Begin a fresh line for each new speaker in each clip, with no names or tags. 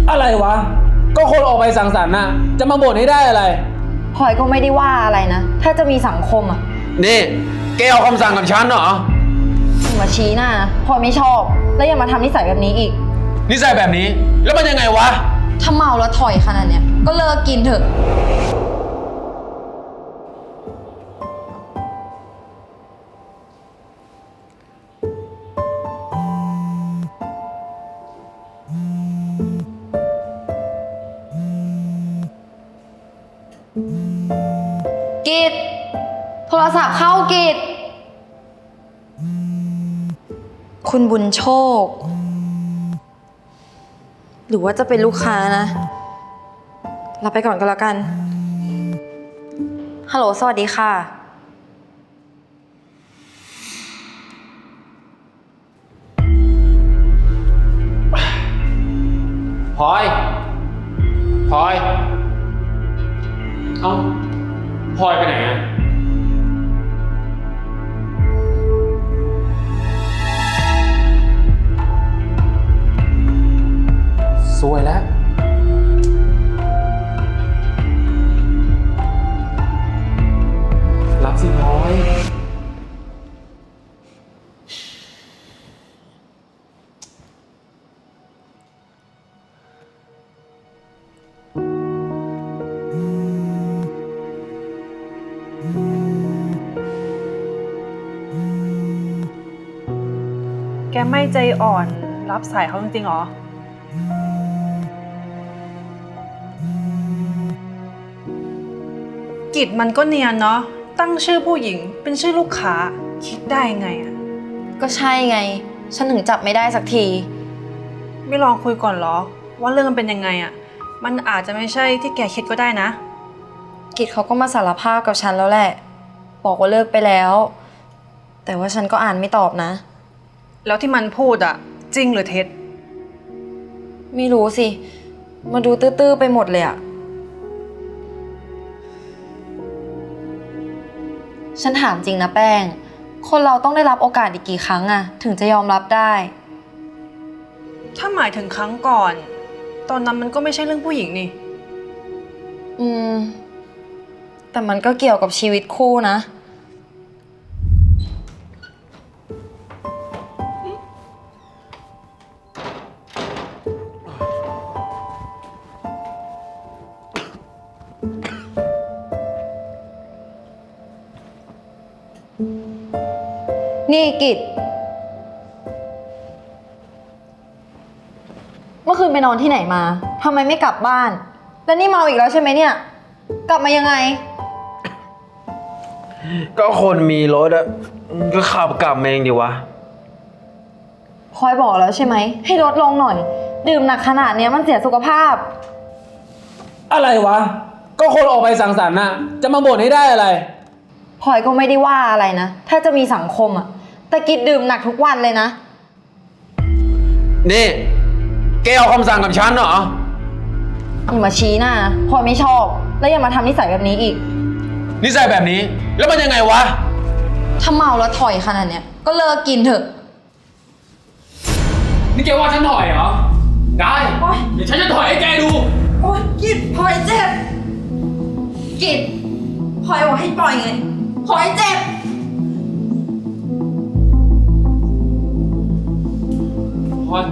อะไรวะก็คนออกไปสังสรรค์น่ะจะมาบ่นให้ได้อะไร
พลอยก็ไม่ได้ว่าอะไรนะถ้าจะมีสังคมอ่ะ
นี่แกเอาคำสั่งกับฉันเหรอ
อย่ามาชี้หน้านะพลอยไม่ชอบแล้วอย่ามาทำนิสัยแบบนี้อีก
นิสัยแบบนี้แล้วมันยังไงวะ
ถ้าเมาแล้วถอยขนาดเนี้ยก็เลิกกินเถอะกิจโทรศัพท์เข้ากิจคุณบุญโชคหรือว่าจะเป็นลูกค้านะรับไปก่อนก็แล้วกันฮัลโหลสวัสดีค่ะ
พลอยเอ้าพลอยไปไหนอะสวยแล้วรับสิพลอย
แกไม่ใจอ่อนรับสายเขาจริงๆหรอกิจมันก็เนียนเนาะตั้งชื่อผู้หญิงเป็นชื่อลูกค้าคิดได้ไงอะ
ก็ใช่ไงฉันถึงจับไม่ได้สักที
ไม่ลองคุยก่อนเหรอว่าเรื่องมันเป็นยังไงอะมันอาจจะไม่ใช่ที่แกคิดก็ได้นะ
กิจเขาก็มาสารภาพกับฉันแล้วแหละบอกว่าเลิกไปแล้วแต่ว่าฉันก็อ่านไม่ตอบนะ
แล้วที่มันพูดอะจริงหรือเท็จ
ไม่รู้สิมาดูตื้อๆไปหมดเลยอะฉันถามจริงนะแป้งคนเราต้องได้รับโอกาสอีกกี่ครั้งอะถึงจะยอมรับได้
ถ้าหมายถึงครั้งก่อนตอนนั้นมันก็ไม่ใช่เรื่องผู้หญิงนี่
แต่มันก็เกี่ยวกับชีวิตคู่นะนี่กิจเมื่อคืนไปนอนที่ไหนมาทำไมไม่กลับบ้านแล้วนี่เมาอีกแล้วใช่ไหมเนี่ยกลับมายังไง
ก็คนมีรถอะก็ขับกลับมาเองดิวะ
พลอยบอกแล้วใช่ไหมให้ลดลงหน่อยดื่มหนักขนาดเนี้ยมันเสียสุขภาพ
อะไรวะก็คนออกไปสังสรรค์น่ะจะมาบ่นให้ได้อะไร
พลอยก็ไม่ได้ว่าอะไรนะถ้าจะมีสังคมอะแต่กิจดื่มหนักทุกวันเลยนะ
นี่แกเอาคำสั่งกับฉันเหรอ
อย่ามาชี้หน้านะพลอยไม่ชอบแล้วอย่ามาทำนิสัยแบบนี้อีก
นิสัยแบบนี้แล้วมันยังไงวะ
ถ้าเมาแล้วถอยขนาดเนี้ยก็เลิกกินเถอะ
นี่แกว่าฉันถอยเหรอได้เดี๋ยวฉันจะถอยให้แกดู
โอ๊ยกิจพลอยเจ็บกิจพลอยบอกให้ปล่อยไงพลอยเจ็บ
พลอย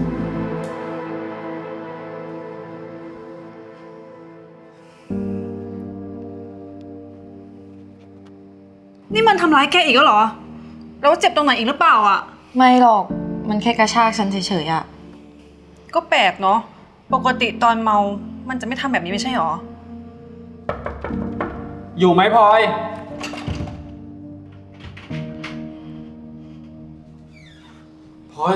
นี่มันทำร้ายแกอีกแล้วเหรอแล้วเจ็บตรงไหนอีกหรือเปล่าอะ
ไม่หรอกมันแค่กระชากฉันเฉยๆอะ
ก็แปลกเนาะปกติตอนเมามันจะไม่ทำแบบนี้ไม่ใช่หรอ
อยู่ไหมพลอยพลอย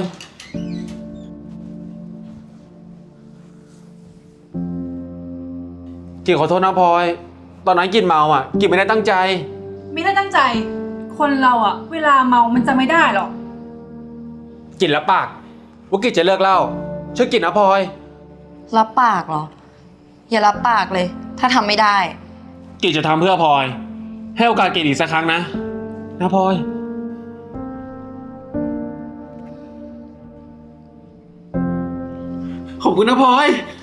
กิ่งขอโทษนะพลอยตอนนั้นกิ่งเมาอ่ะกิ่งไม่ได้ตั้งใจ
ไม่ได้ตั้งใจคนเราอะเวลาเมามันจะไม่ได้หรอก
กิ่งรับปากว่ากิ่งจะเลิกเหล้าช่วยกิ่งนะพลอย
รับปากเหรออย่ารับปากเลยถ้าทำไม่ได้
กิ่งจะทำเพื่อพลอยให้โอกาสกิ่งอีกสักครั้งนะพลอยขอบอบคุณนะพลอย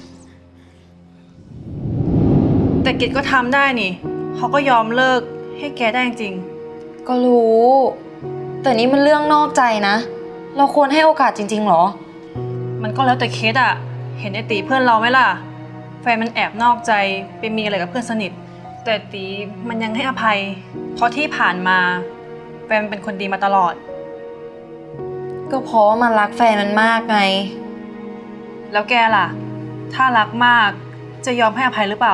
แต่กิจก็ทำได้นี่ เขาก็ยอมเลิกให้แกได้จริง
ก็รู้ แต่นี่มันเรื่องนอกใจนะ เราควรให้โอกาสจริงๆหรอ
มันก็แล้วแต่เคสอะเห็นไอตีเพื่อนเราไหมล่ะ แฟนมันแอบนอกใจไปมีอะไรกับเพื่อนสนิท แต่ตีมันยังให้อภัย เพราะที่ผ่านมาแฟนมันเป็นคนดีมาตลอด
ก็เพราะว่ามันรักแฟนมันมากไง
แล้วแกล่ะ ถ้ารักมากจะยอมให้อภัยหรือเปล่า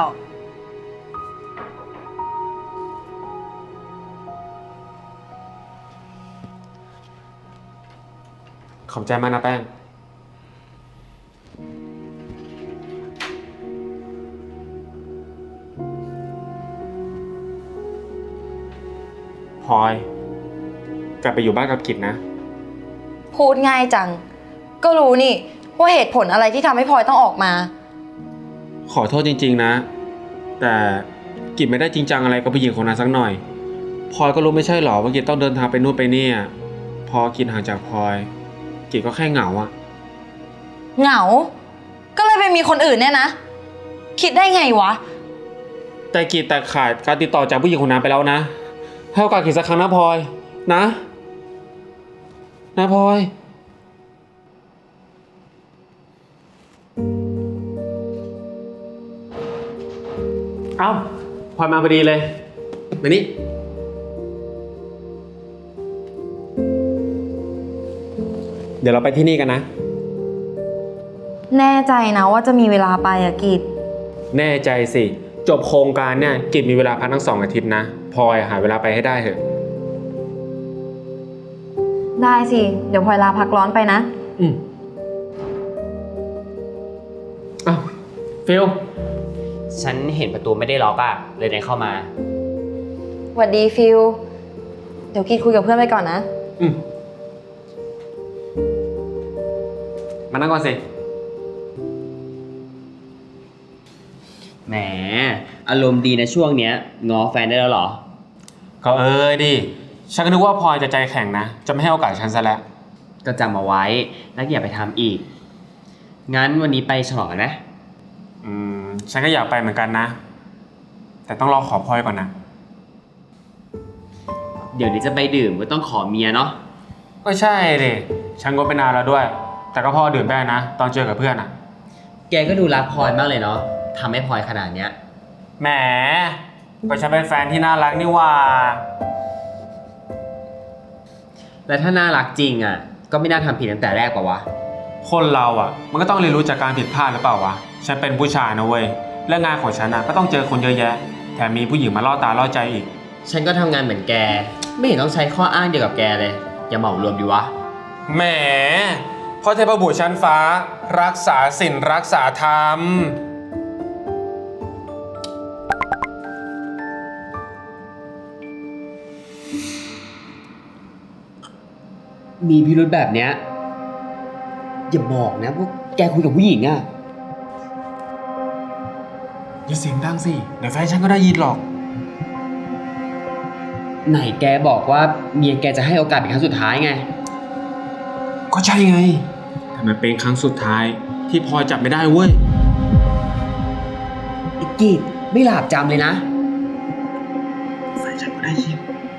ขอบใจมากนะแป้งพลอยกลับไปอยู่บ้านกับกิจนะ
พูดง่ายจัง ก็รู้นี่ว่าเหตุผลอะไรที่ทำให้พลอยต้องออกมา
ขอโทษจริงๆนะ แต่กิจไม่ได้จริงจังอะไรกับผู้หญิงคนนั้นสักหน่อยพลอยก็รู้ไม่ใช่หรอว่ากิจต้องเดินทางไปนู่นไปนี่พอกิจห่างจากพลอยกิจก็แค่เหงาอะ
เหงา ก็เลยไปมีคนอื่นเนี่ยนะ คิดได้ไงวะ
แต่กิจแต่ขาดการติดต่อจากผู้หญิงคนนั้นไปแล้วนะให้โอกาสกิจสักครั้งนะพลอยนะพลอยเอ้าพลอยมาพอดีเลยมานี่เดี๋ยวเราไปที่นี่กันนะ
แน่ใจนะว่าจะมีเวลาไปอะกิจ
แน่ใจสิจบโครงการเนี่ยกิจมีเวลาพักทั้ง2 อาทิตย์นะพลอยหาเวลาไปให้ได้เถอะ
ได้สิ เดี๋ยวพลอยลาพักร้อนไปนะ
อ้าวฟิล
ฉันเห็นประตูไม่ได้ล็อกอะเลยเดินเข้ามา
หวัดดีฟิล เดี๋ยวกิจคุยกับเพื่อนไปก่อนนะ
มานั่งก่อนสิ
แหม อารมณ์ดีนะช่วงเนี้ยง้อแฟนได้แล้วเหรอ
ก็ดิฉันก็นึกว่าพลอยจะใจแข็งนะจะไม่ให้โอกาสฉันซะแล้ว
ก็จำเอาไว้แล้วอย่าไปทำอีก งั้นวันนี้ไปฉลองกันไหม
ฉันก็อยากไปเหมือนกันนะ แต่ต้องรอขอพลอยก่อนนะ
เดี๋ยวนี้จะไปดื่มก็ต้องขอเมียเนาะ
ก็ใช่ดิฉันก็ไปนานแล้วด้วย แต่ก็พอดื่มได้นะ ตอนเจอกับเพื่อนอะ
แกก็ดูรักพลอยมากเลยเนาะทำให้พลอยขนาดเนี้ย
แหมก็ฉันเป็นแฟนที่น่ารักนี่หว่า
แล้วถ้าน่ารักจริงอะก็ไม่น่าทำผิดตั้งแต่แรกป่าวะ
คนเราอ่ะมันก็ต้องเรียนรู้จากการผิดพลาดหรือเปล่าวะฉันเป็นผู้ชายนะเว้ยและงานของฉันอ่ะก็ต้องเจอคนเยอะแยะแถมมีผู้หญิงมาล่อตาล่อใจอีก
ฉันก็ทำงานเหมือนแก ไม่เห็นต้องใช้ข้ออ้างเดียวกับแกเลย อย่าเหมารวมดีวะ
แหมพ่อเทพบุตรชั้นฟ้า รักษาศีลรักษาธรรม
มีพิรุธแบบเนี้ยอย่าบอกนะว่าแกคุยกับผู้หญิงอะ
อย่าเสียงดังสิเดี๋ยวแฟนฉันก็ได้ยินหรอก
ไหนแกบอกว่าเมียแกจะให้โอกาสเป็นครั้งสุดท้ายไง
ก็ใช่ไงแต่มันเป็นครั้งสุดท้ายที่พลอยจับไม่ได้เว้ย
ไอ้กีดไม่หลาบจำเลยนะ
แฟนฉันก็ได้ยิน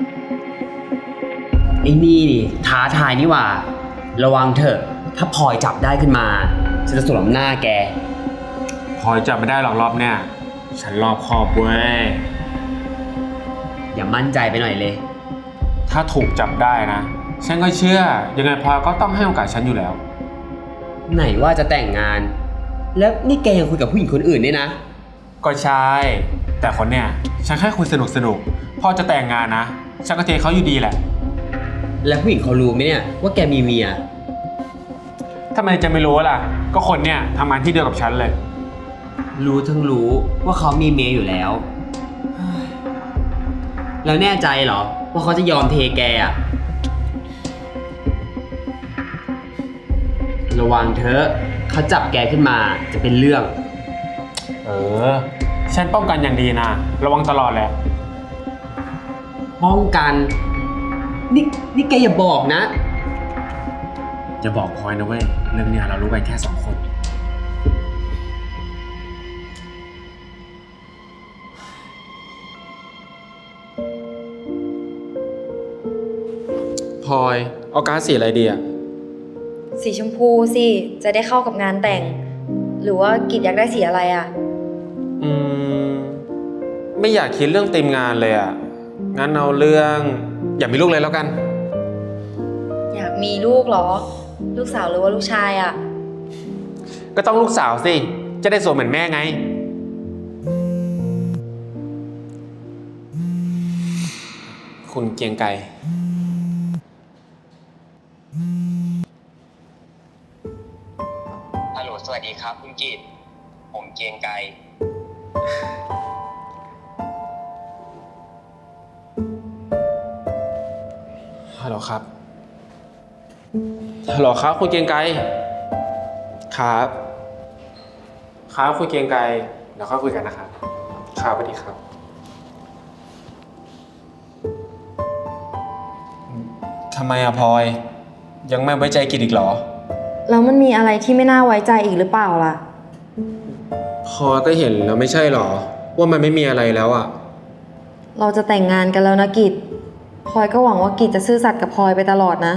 ไอ้นี่ดิท้าทายนี่หว่า ระวังเถอะถ้าพลอยจับได้ขึ้นมาฉันจะสวมหน้าแก
พลอยจับไม่ได้หรอกรอบเนี่ยฉันรอบคอบเว้ย
อย่ามั่นใจไปหน่อยเลย
ถ้าถูกจับได้นะฉันก็เชื่อยังไงพลอยก็ต้องให้โอกาสฉันอยู่แล้ว
ไหนว่าจะแต่งงาน แล้วนี่แกยังคุยกับผู้หญิงคนอื่นเนี่ยนะ
ก็ใช่แต่คนเนี่ยฉันแค่คุยสนุกพอจะแต่งงานนะฉันก็เทเขาอยู่ดีแหละ
แล้วผู้หญิงเขารู้ไหมเนี่ยว่าแกมีเมีย
ทำไมจะไม่รู้ล่ะก็คนเนี่ยทำงานที่เดียวกับฉันเลย
รู้ทั้งรู้ว่าเขามีเมียอยู่แล้ว แล้วแน่ใจเหรอว่าเขาจะยอมเทแกอะระวังเถอะเขาจับแกขึ้นมาจะเป็นเรื่อง
ฉันป้องกันอย่างดีนะระวังตลอดแหละ
ป้องกัน นี่แกอย่าบอกนะ
อย่าบอกพลอยนะเว้ยเรื่องเนี้ยเรารู้กันแค่2 คนพลอยเอาการ์ดสีอะไรดีอะ
สีชมพูสิ จะได้เข้ากับงานแต่ง หรือว่ากิจอยากได้สีอะไรอะ
อืม ไม่อยากคิดเรื่องธีมงานเลยอะงั้นเอาเรื่องอยากมีลูกเลยแล้วกัน
อยากมีลูกเหรอ ลูกสาวหรือว่าลูกชายอะ
ก็ต้องลูกสาวสิ จะได้สวยเหมือนแม่ไง คุณเกรียงไกร
ฮัลโหลสวัสดีครับคุณกิตผมเกรียงไกร
ฮัลโหลครับ ฮัลโหลครับคุณเกรียงไกร ครับ ครับคุณเกรียงไกร เดี๋ยวค่อยคุยกันนะครับ ครับสวัสดีครับ ทำไมอะพลอย ยังไม่ไว้ใจกิจอีกเหรอ
แล้วมันมีอะไรที่ไม่น่าไว้ใจอีกหรือเปล่าล่ะ
พลอยก็เห็นแล้วไม่ใช่เหรอ ว่ามันไม่มีอะไรแล้วอะ
เราจะแต่งงานกันแล้วนะกิจพลอยก็หวังว่ากิจจะซื่อสัตย์กับพลอยไปตลอดนะ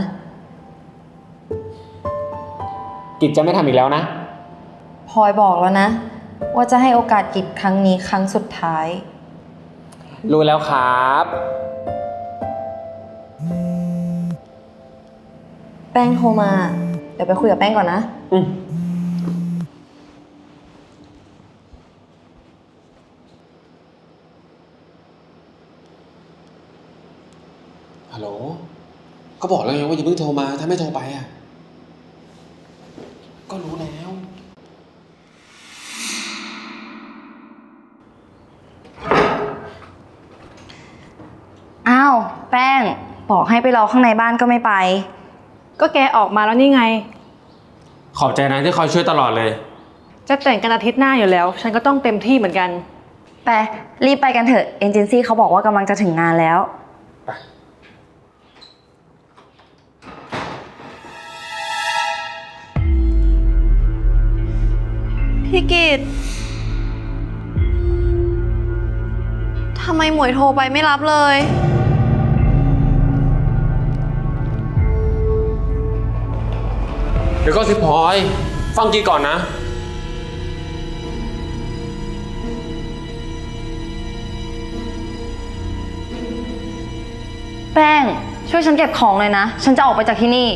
กิจจะไม่ทำอีกแล้วนะ
พลอยบอกแล้วนะ ว่าจะให้โอกาสกิจครั้งนี้ครั้งสุดท้าย
รู้แล้วครับ
แป้งโทรมา เดี๋ยวไปคุยกับแป้งก่อนนะ
ฮัลโหล ก็บอกแล้วไงว่าอย่าเพิ่งโทรมา ถ้าไม่โทรไปอ่ะ ก็รู้แล้ว
อ้าว แป้ง บอกให้ไปรอข้างในบ้านก็ไม่ไป
ก็แกออกมาแล้วนี่ไง
ขอบใจนะที่คอยช่วยตลอดเลย
จะแต่งกันอาทิตย์หน้าอยู่แล้ว ฉันก็ต้องเต็มที่เหมือนกัน
ไปรีบไปกันเถอะ เอเจนซี่เขาบอกว่ากำลังจะถึงงานแล้ว
พี่กิตทำไมหมวยโทรไปไม่รับเลย
เดี๋ยวก็สิพลอย ฟังกีก่อนนะ
แป้ง ช่วยฉันเก็บของเลยนะ ฉันจะออกไปจากที่นี่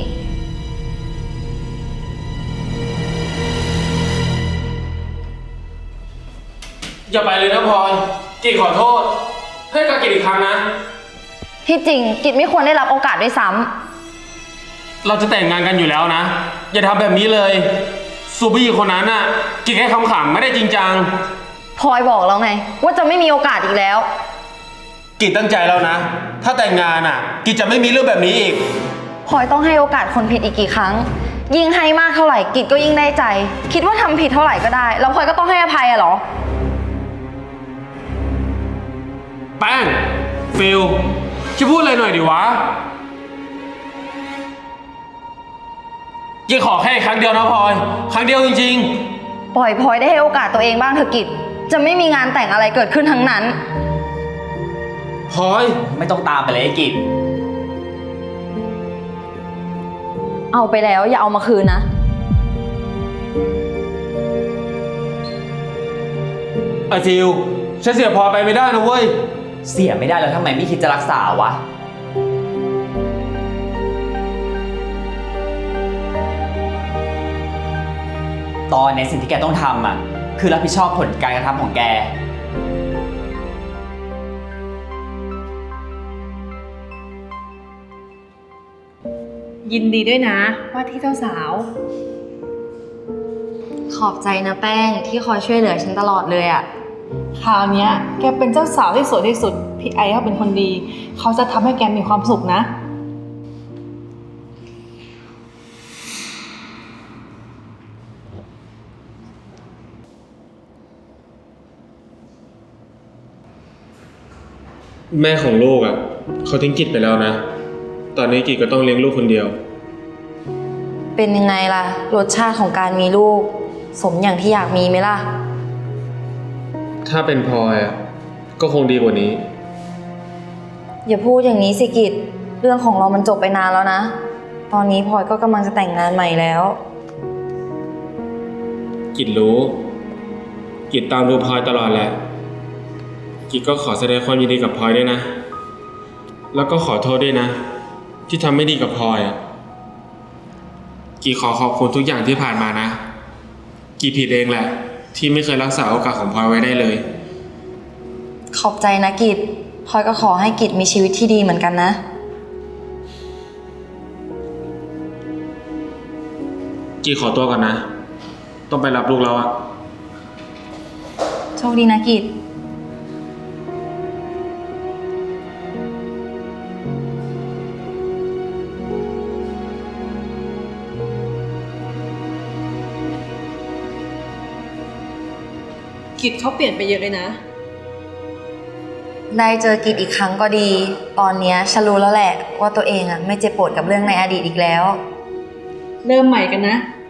อย่าไปเลยนะพลอย กีขอโทษ ให้การกีอีกครั้งนะ
ที่จริงกิจไม่ควรได้รับโอกาสด้วยซ้ำ
เราจะแต่งงานกันอยู่แล้วนะ อย่าทำแบบนี้เลยซูบี้คนนั้นน่ะกีแค่คำๆไม่ได้จริงจัง
พลอยบอกแล้วไง ว่าจะไม่มีโอกาสอีกแล้ว
กีตั้งใจแล้วนะ ถ้าแต่งงานอ่ะ กีจะไม่มีเรื่องแบบนี้อีก
พลอยต้องให้โอกาสคนผิดอีกกี่ครั้ง ยิ่งให้มากเท่าไหร่กิจก็ยิ่งได้ใจ คิดว่าทำผิดเท่าไหร่ก็ได้ แล้วพลอยก็ต้องให้อภัยอะเหรอ
แป้ง ฟิลช่วยพูดอะไรหน่อยดิวะกีขอแค่ครั้งเดียวนะพลอย ครั้งเดียวจริง
ปล่อยพลอยได้ให้โอกาสตัวเองบ้างเถอะกิจ จะไม่มีงานแต่งอะไรเกิดขึ้นทั้งนั้น
ๆพลอย
ไม่ต้องตามไปเลยไอ้กิจ
เอาไปแล้วอย่าเอามาคืนนะ
ไอฟิลฉันเสียพลอยไปไม่ได้นะเว้ย
เสียไม่ได้แล้วทำไมไม่คิดจะรักษาวะ ตอนในสิ่งที่แกต้องทำอ่ะ คือรับผิดชอบผลการกระทำของแก
ยินดีด้วยนะ ว่าที่เจ้าสาว
ขอบใจนะแป้งที่คอยช่วยเหลือฉันตลอดเลยอะ
คราวเนี้ยแกเป็นเจ้าสาวที่สวยที่สุด พี่ไอเขาเป็นคนดี เขาจะทำให้แกมีความสุขนะ
แม่ของลูกอ่ะเขาทิ้งกิจไปแล้วนะ ตอนนี้กิจก็ต้องเลี้ยงลูกคนเดียว
เป็นยังไงล่ะ รสชาติของการมีลูก สมอย่างที่อยากมีไหมล่ะ
ถ้าเป็นพลอยอ่ะก็คงดีกว่านี้
อย่าพูดอย่างนี้สิกิจเรื่องของเรามันจบไปนานแล้วนะ ตอนนี้พลอยก็กำลังจะแต่งงานใหม่แล้ว
กิจรู้ กิจตามดูพลอยตลอดแหละ กิจก็ขอแสดงความยินดีกับพลอยด้วยนะ แล้วก็ขอโทษด้วยนะ ที่ทำไม่ดีกับพลอยอ่ะ กิจขอขอบคุณทุกอย่างที่ผ่านมานะ กิจผิดเองแหละ ที่ไม่เคยรักษาโอกาสของพลอยไว้ได้เลย
ขอบใจนะกิจพลอยก็ขอให้กิจมีชีวิตที่ดีเหมือนกันนะ
กิจขอตัวก่อนนะ ต้องไปรับลูกแล้วอ่ะ
โชคดีนะกิจ
กิจเขาเปลี่ยนไปเยอะเลยนะ
ได้เจอกิจอีกครั้งก็ดี ตอนเนี้ยฉันรู้แล้วแหละว่าตัวเองอ่ะไม่เจ็บปวดกับเรื่องในอดีตอีกแล้ว
เริ่มใหม่กันนะ